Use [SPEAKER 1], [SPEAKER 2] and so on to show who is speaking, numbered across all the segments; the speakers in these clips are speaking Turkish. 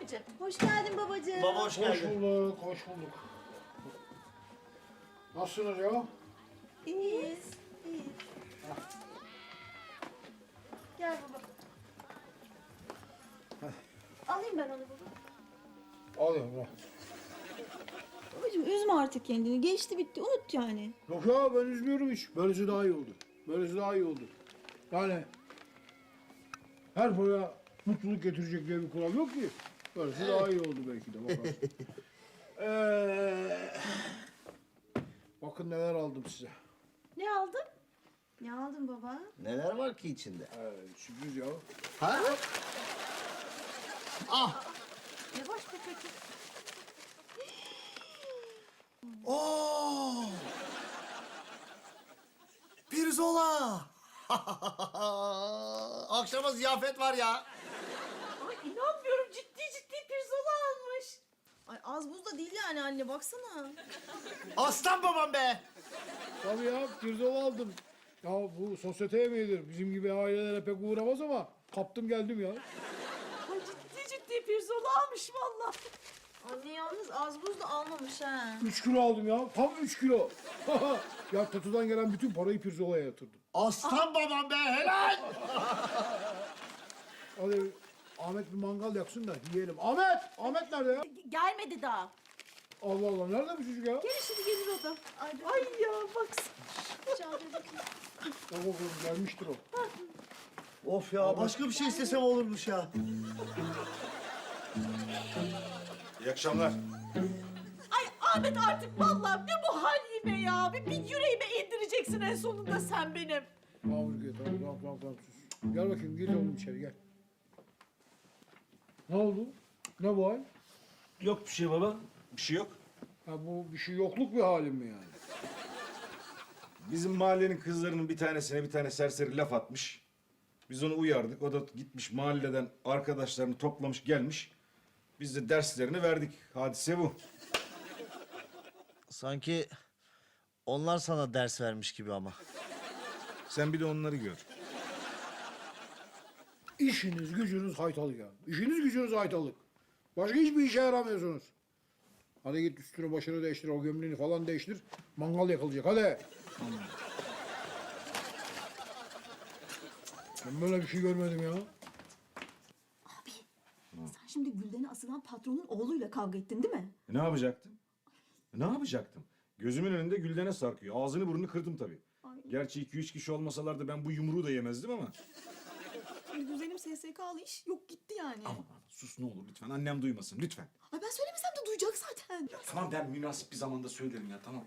[SPEAKER 1] abicim. Hoş geldin babacığım.
[SPEAKER 2] Baba hoş
[SPEAKER 3] Hoş
[SPEAKER 2] geldin.
[SPEAKER 3] bulduk, hoş bulduk. Nasılsınız ya?
[SPEAKER 1] İyiyiz. İyiyiz. Gel baba. Alayım ben onu baba.
[SPEAKER 3] Al yavrum.
[SPEAKER 4] Babacığım üzme artık kendini. Geçti bitti. Unut yani.
[SPEAKER 3] Yok ya ben üzmüyorum hiç. Böylesi daha iyi oldu. Böylesi daha iyi oldu. Yani her boya mutluluk getirecek diye bir kural yok ki. Böylesi daha iyi oldu belki de. Bakalım. Bakın neler aldım size.
[SPEAKER 1] Ne aldın? Ne aldın baba?
[SPEAKER 2] Neler var ki içinde?
[SPEAKER 3] Sürpriz ya.
[SPEAKER 2] Ha? Ah!
[SPEAKER 1] Yavaş be kötü.
[SPEAKER 2] Oo! Pirzola! Akşama ziyafet var ya.
[SPEAKER 1] Ay inanmıyorum ciddi pirzola almış. Ay az buz da değil yani anne baksana.
[SPEAKER 2] Aslan babam be!
[SPEAKER 3] Tabii ya pirzola aldım. Ya bu sosyete yemeğidir. Bizim gibi ailelere pek uğramaz ama kaptım geldim ya.
[SPEAKER 1] Ay ciddi pirzola almış vallahi. Anne yalnız az buz da almamış ha.
[SPEAKER 3] 3 kilo aldım ya. Tam 3 kilo. Ya Tatu'dan gelen bütün parayı pirzolaya yatırdım.
[SPEAKER 2] Aslan babam be helal!
[SPEAKER 3] Hadi Ahmet bir mangal yaksın da yiyelim. Ahmet! Ahmet nerede ya?
[SPEAKER 1] Gelmedi daha.
[SPEAKER 3] Allah Allah nerede bu çocuk ya?
[SPEAKER 1] Gel şimdi gelir o da. Ay ya baksana. Çağırıyor bakayım.
[SPEAKER 3] Bak bakalım gelmiştir o.
[SPEAKER 2] Of ya başka bir şey istesem olurmuş ya.
[SPEAKER 5] İyi akşamlar.
[SPEAKER 1] Ay Ahmet artık vallahi ne bu hal yine ya. Bir yüreğime indireceksin en sonunda sen benim.
[SPEAKER 3] Tamam Ülke tamam sus. Gel bakayım gir oğlum içeri gel. Ne oldu? Ne bu hal?
[SPEAKER 5] Yok bir şey baba. Bir şey yok.
[SPEAKER 3] Ha bu bir şey yokluk bir halim mi yani?
[SPEAKER 5] Bizim mahallenin kızlarının bir tanesine bir tane serseri laf atmış. Biz onu uyardık. O da gitmiş mahalleden arkadaşlarını toplamış gelmiş. Biz de derslerini verdik. Hadise bu.
[SPEAKER 2] Sanki onlar sana ders vermiş gibi ama.
[SPEAKER 5] Sen bir de onları gör.
[SPEAKER 3] İşiniz gücünüz haytalık ya. İşiniz gücünüz haytalık. Başka hiçbir işe yaramıyorsunuz. Hadi git üstünü başını değiştir, o gömleğini falan değiştir. Mangal yakılacak hadi. Ben böyle bir şey görmedim ya.
[SPEAKER 4] Abi sen şimdi Gülden'e asılan patronun oğluyla kavga ettin değil mi?
[SPEAKER 5] Ne yapacaktım? Ne yapacaktım? Gözümün önünde Gülden'e sarkıyor. Ağzını burnunu kırdım tabii. Gerçi 2-3 kişi olmasalardı ben bu yumruğu da yemezdim ama.
[SPEAKER 4] Şimdi güzelim SSK'lı iş yok gitti yani.
[SPEAKER 5] Aman sus ne olur lütfen. Annem duymasın lütfen.
[SPEAKER 4] Ay ben söylemesem de duyacak zaten.
[SPEAKER 5] Tamam ben münasip bir zamanda söylerim ya tamam.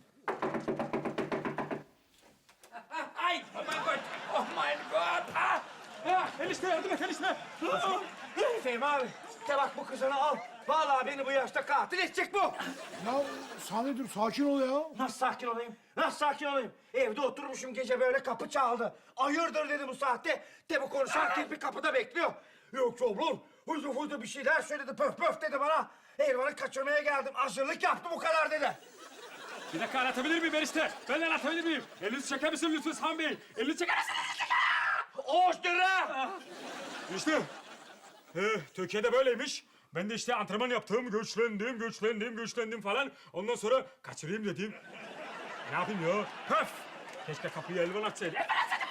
[SPEAKER 6] Ay, oh my god! Oh my god! Enişte yardım et enişte! Fehmi abi, de bak bu kızını al. Vallahi beni bu yaşta katil edecek bu.
[SPEAKER 3] Ya Sami dur sakin ol ya.
[SPEAKER 6] Nasıl sakin olayım? Nasıl sakin olayım? Evde oturmuşum gece böyle kapı çaldı. Hayırdır dedi bu saatte. De bu konuşan kirpi kapıda bekliyor. Yok çoğulur. Huydu huydu bir şeyler söyledi. Pöf pöf dedi bana. Elvan'ı kaçırmaya geldim. Hazırlık yaptım bu kadar dedi.
[SPEAKER 7] Bir dakika anlatabilir miyim enişte? Ben de anlatabilir miyim? Elinizi çeker misiniz lütfen Sami Bey? Elinizi çeker misiniz?
[SPEAKER 6] Oğuz lira!
[SPEAKER 7] İşte. Türkiye'de böyleymiş. Ben de işte antrenman yaptım, güçlendim falan. Ondan sonra kaçırayım dedim. Ne yapayım ya? Höf! Keşke kapıyı Elvan açsaydı. Elvan açsaydı!